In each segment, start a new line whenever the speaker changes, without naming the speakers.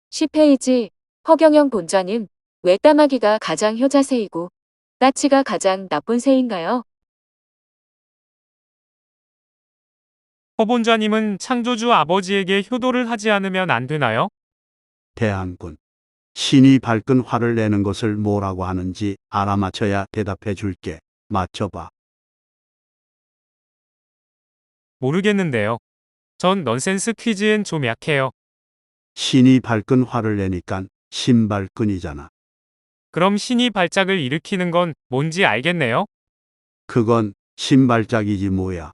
10페이지 허경영 본좌님, 왜 까마귀가 가장 효자새이고 까치가 가장 나쁜 새인가요?
허본좌님은 창조주 아버지에게 효도를 하지 않으면 안 되나요?
대한군. 신이 발끈 화를 내는 것을 뭐라고 하는지 알아맞혀야 대답해 줄게. 맞춰봐.
모르겠는데요. 전 넌센스 퀴즈엔 좀 약해요.
신이 발끈 화를 내니깐 신발끈이잖아.
그럼 신이 발작을 일으키는 건 뭔지 알겠네요.
그건 신발짝이지 뭐야.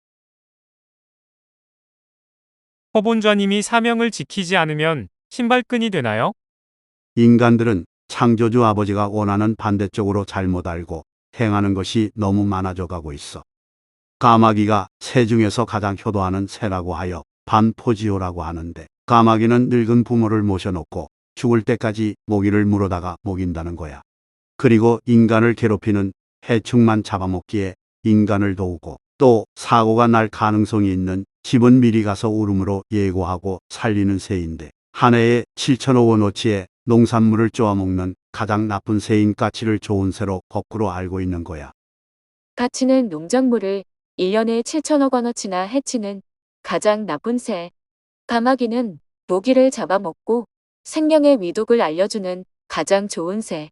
허본좌님이 사명을 지키지 않으면 신발끈이 되나요?
인간들은 창조주 아버지가 원하는 반대쪽으로 잘못 알고 행하는 것이 너무 많아져 가고 있어. 까마귀가 새 중에서 가장 효도하는 새라고 하여 반포지호라고 하는데, 까마귀는 늙은 부모를 모셔놓고 죽을 때까지 모기를 물어다가 먹인다는 거야. 그리고 인간을 괴롭히는 해충만 잡아먹기에 인간을 도우고, 또 사고가 날 가능성이 있는 집은 미리 가서 울음으로 예고하고 살리는 새인데, 한 해에 7천억 원어치의 농산물을 쪼아먹는 가장 나쁜 새인 까치를 좋은 새로 거꾸로 알고 있는 거야.
까치는 농작물을 1년에 7천억 원어치나 해치는 가장 나쁜 새. 까마귀는 모기를 잡아먹고 생명의 위독을 알려주는 가장 좋은 새.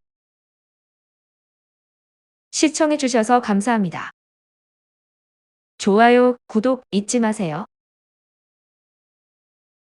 시청해주셔서 감사합니다. 좋아요, 구독 잊지 마세요.